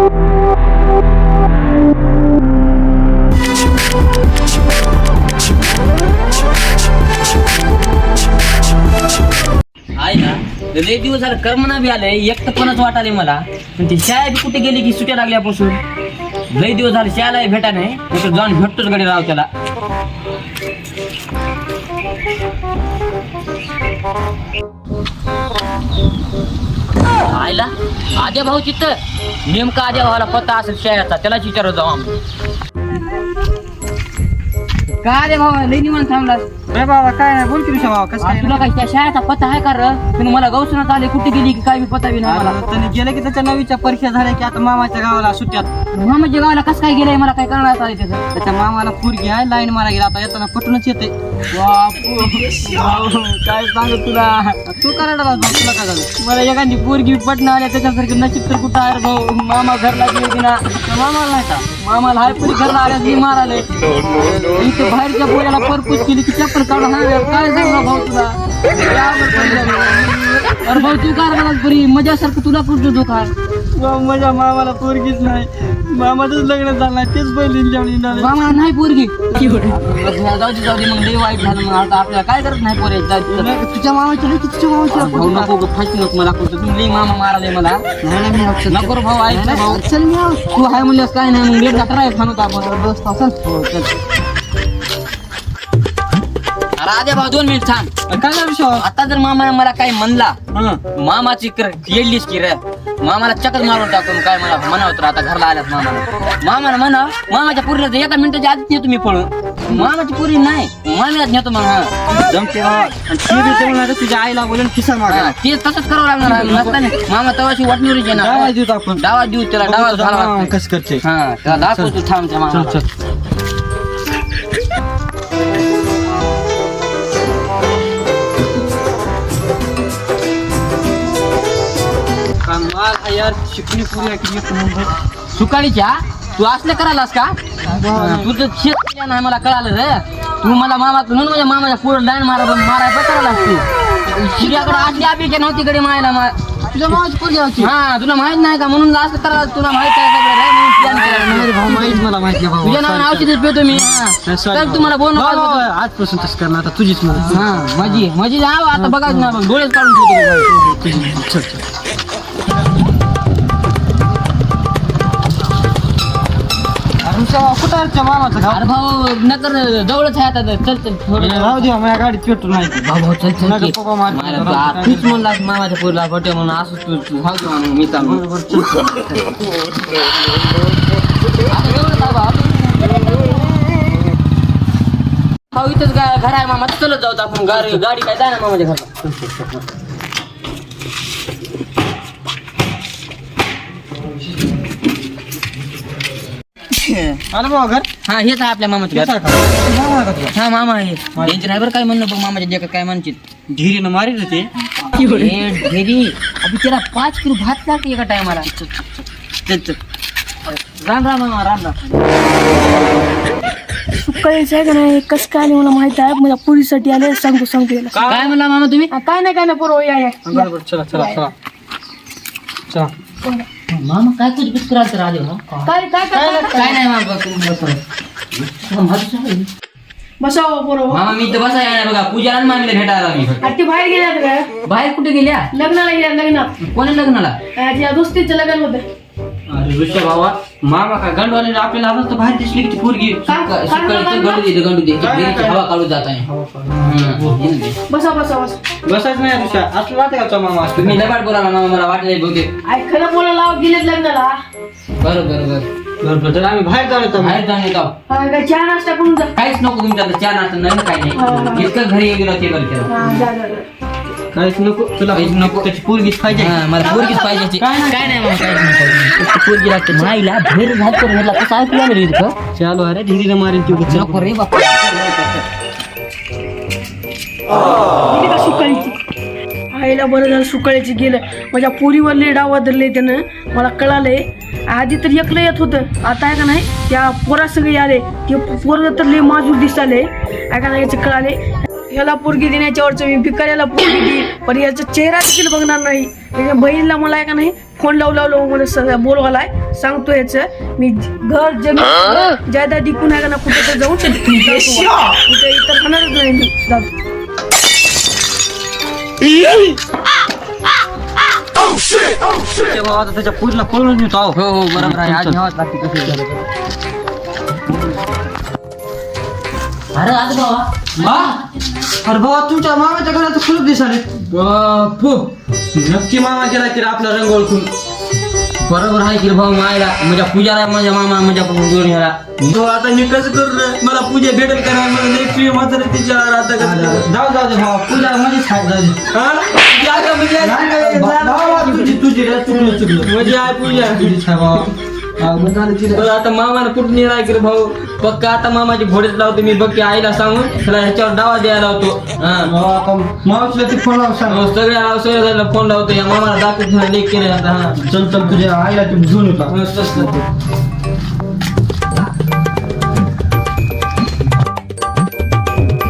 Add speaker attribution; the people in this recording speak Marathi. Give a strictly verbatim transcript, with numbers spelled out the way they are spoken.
Speaker 1: आहे ना लय दिवस झालं कर्मना बी आलंय एकटपणच वाटाले मला. पण ती शाळा बी कुठे गेली की सुट्या लागल्यापासून लय दिवस झाले शाळाही भेटा नाही. कुठं जाऊन भेटतोच गडी राव त्याला. आयला आद्या भाऊ चित्त नेमका आद्या भावाला पत्ता असेल शाळेचा त्यालाच विचारत जाऊ आम्ही. काय रे भावा लय निवांत थांबला.
Speaker 2: अरे बाबा काय नाही बोल की ऋषा बाबा कसं काय
Speaker 1: तुला काय त्या शाळेचा पत्ता आहे का रे? पण मला गौसनात आले कुठे गेली की काय बी पत्ता बी नाही मला.
Speaker 2: त्याने गेलं की त्याच्या नवीच्या परीक्षा झाल्या की आता मामाच्या गावाला सुट्ट्यात.
Speaker 1: मामाच्या गावाला कसं काय गेलंय मला काय करण्यात आले त्याचं.
Speaker 2: त्याच्या मामाला पोरगी आहे लाईन मारा गेला आता येताना पटूनच येते.
Speaker 1: काय सांगू तुला
Speaker 2: तू करायला तुला काय झालं?
Speaker 1: मला एखादी पोरगी पटणं आल्या त्याच्यासारखं नशीब तर कुठं आहे रे भाऊ. मामा घरला गेली की ना
Speaker 2: मामाला नाही का
Speaker 1: मामाला हाय पुरी घरला आल्या मी माराले इथे बाहेरच्या पोऱ्याला परपूस केली की चप्पल काढून हाय काय सांगू भाऊ तुला. अरे भाऊ तू काय मला पुरी मजासारखं तुला कुठं दुखा.
Speaker 2: माझ्या मामाला पोरगीच नाही. मामाचंच लग्न झालं नाही तेच पहिली
Speaker 1: मामा नाही पोरगी. जाऊ दे जाऊ दे मग लई वाईट झालं. मग आता आपल्याला काय करत नाही पोरे.
Speaker 2: तुझ्या मामाची नाही तुझ्या मामाची
Speaker 1: भाऊ नको गं, फाशी नको मला कुठं. तुम्ही लई मामा माराले मला नको रे भाऊ. ऐक ना भाऊ
Speaker 2: चल मी आलो.
Speaker 1: तू हाय म्हणल्यास काय नाही मग लेट जाता राहील खाणं आपण बस असेल. हो चल राजा भाऊ दोन मिनिट थांब.
Speaker 2: काय नाही विषय
Speaker 1: आता जर मामाने मला काही म्हणला मामाची येडलीच की रे मामाला चक्कर मारून टाकून काय मला म्हणा होतं. आता घरला आल्यात मामाला मामाला म्हणा मामाच्या पुरीला तर एका मिनिटाच्या आधीच नेतो मी पळून. मामाची पुरी नाही मामीलाच नेतो मग. हा
Speaker 2: जमते तुझ्या आईला बोलून खिसा मागा
Speaker 1: ते तसंच करावं लागणार नसताना. मामा तवाशी वाटणीवरच येणार.
Speaker 2: डावा देऊ आपण
Speaker 1: डावा देऊ त्याला डावा झाला
Speaker 2: कसं करते
Speaker 1: हा त्याला दाखवतो थांब त्या मामाला.
Speaker 2: यार शिकली पुरी
Speaker 1: सुकाळीच्या तू असले करायलास का? तू तर शेत नाही मला कळालं रे. तू मला मामा म्हणून माझ्या मामाच्या पुढे लाईन मारा मारायला करायला असते. शिर्याकडे आटली अपेक्षा नव्हती कडे मायला.
Speaker 2: तुझ्या मामाची पोरगी होती.
Speaker 1: हा तुला माहित नाही का म्हणून असं करायला तुला माहित आहे सगळं
Speaker 2: भाऊ माहित मला माहिती भाऊ
Speaker 1: तुझ्या नावाने औषध पेतो मी. तर तुम्हाला बोल
Speaker 2: आजपासून तसं करणार आता तुझीच मला.
Speaker 1: हा माझी माझी जाव आता बघायचं ना मग डोळेच काढून ठेवतो.
Speaker 2: कुठं मामाचं गाव?
Speaker 1: अरे भाऊ नकर जवळच आहे आता. चल चल थोडं
Speaker 2: राहू दे माझ्या गाडीत पेट्रोल नाही.
Speaker 1: भाऊ भाऊ चल चल
Speaker 2: नका पप्पा मार.
Speaker 1: तूच म्हणला मामाच्या पोरीला बटे म्हणून असं तू तू भाऊ दे म्हणून मी चालू. भाऊ इथंच घर आहे मामा चलत जाऊ आपण. गाडी गाडी काय जाय ना मामाच्या घरला.
Speaker 2: आलं बाबा घर
Speaker 1: हा हेच आहे आपल्या मामाचं घर. हा मामा आहे त्यांचे ड्रायव्हर काय म्हणलं बघ मामाच्या जे काय म्हणतील
Speaker 2: धीरीनं मारी ते
Speaker 1: ढेरी अभि त्याला पाच किलो भात लागते एका टायमाला. चल चल राम राम मामा राम राम.
Speaker 3: सुकाळीचं आहे का नाही कसं काय आले मला माहित आहे. माझ्या पुरीसाठी आले सांगतो सांगतो याला.
Speaker 1: काय म्हणला मामा तुम्ही?
Speaker 3: हा, काय नाही काय नाही पोरं या या.
Speaker 2: बरोबर चला चला चला चला.
Speaker 1: मामा काय कुछ कुछ करायचं राहिले ना
Speaker 3: काय काय काय
Speaker 1: काय नाही मामा तुम्ही बसा.
Speaker 3: बसाव पोरं.
Speaker 1: मामा मी तर बसा येणार बघा पूजा आणि मामीला भेटायला मी.
Speaker 3: अरे ते बाहेर गेल्यात का?
Speaker 1: बाहेर कुठे गेल्या?
Speaker 3: लग्नाला गेल्या लग्नात.
Speaker 1: कोणी लग्नाला?
Speaker 3: अं, त्या दोस्तीचं लग्न होतं.
Speaker 2: अरे ऋषा बाबा मामा का गंडवाले आपल्याला आता तर बाहेर दिसली की पोरगी
Speaker 1: गंडू दे गंडू दे हवा काढू जात आहे.
Speaker 3: बसा बसा बसा.
Speaker 2: बसायच नाही ऋषा असं वाटतं का तो मामा
Speaker 1: तुम्ही लबाड बोला मामा मला वाटलं बहुतेक.
Speaker 3: अरे खरं बोला लाव गेलेत लग्नाला.
Speaker 1: बरं बरं बरं
Speaker 2: बरोबर तर आम्ही बाहेर जाऊ येतो
Speaker 1: बाहेर जाऊन येतो.
Speaker 3: हा, काय चहा नाश्ता करून जा.
Speaker 1: काहीच नको तुमच्या आता चहा नाश्ता नाही काही नाही. इतकं घरी गेलो ते करते
Speaker 3: हा, जा जा जा.
Speaker 2: काहीच नको तुला
Speaker 1: काहीच नको.
Speaker 2: त्याची पोरगीच पाहिजे.
Speaker 1: हा, मला पोरगीच पाहिजे ती. काय नाही मामा काहीच नाही. पोरगी लागते माईला भेर झात करून म्हटलं कसं ऐकू आलं रे इथं.
Speaker 2: चालू अरे धीरीनं मारेन ती
Speaker 1: नको रे बापा.
Speaker 3: गेली का सुकाळीची? आईला बरं झालं सुकाळीची गेलं. माझ्या पोरीवरले डाव धरले त्यानं मला कळालंय. आधी तर एकलं येत होतं आता आहे का नाही त्या पोरा सगळे आले. ते पोरं तर लय माजूर दिसाले आहे का नाही याचं कळाले. ह्याला पोरगी देण्याच्या वरचं मी भिकाऱ्याला पोरगी देईल पण याचा चेहरा देखील बघणार नाही. त्याच्या बहिणीला मला आहे का नाही फोन लावू लावलो मला बोलवालाय सांगतो याचं मी घर जमीन जायदा डिकून आहे का ना कुठे तर जाऊन कुठे इतर खाणारच नाही मी जातो.
Speaker 2: ते भाऊ आता त्याच्या पुरीला पळून येतो आहो.
Speaker 1: हो हो बरोबर आहे आज घ्यावाच लागते कशी अरे आज बाबा
Speaker 2: मा अरे बाबा तुमच्या मामाच्या घराचं फुलक दिसाले.
Speaker 1: बापू
Speaker 2: नक्की मामा गेला की रे आपला रंग ओळखून.
Speaker 1: बरोबर आहे की रे भाऊ मायला माझ्या पूजाला माझ्या मामा माझ्या जोड ह्याला
Speaker 2: तो आता मी कसं करू रे? मला पूजा भेटेल का नाही? मला लई प्रिय म्हातारे तिच्या आता कसं जाऊ जाऊ दे भावा पूजा मध्येच खात जाऊ दे. हा? जागा म्हणजे भावा तुझी तुझी रे चुकलं चुकलं म्हणजे आहे पूजा तुझीच आहे भावा. बरं आता मामाला कुठून येणार की रे भाऊ? पक्का आता मामाची घोडेच लावतो मी बघ की आईला सांगून त्याला ह्याच्यावर डावा द्यायला लावतो. हा मावशीला ते फोन लावून सांग. सगळ्या आवश्यक फोन लावतो या मामाला दाखवत लेख केले आता. हा चल चल तुझ्या आईला तू घेऊन येतो.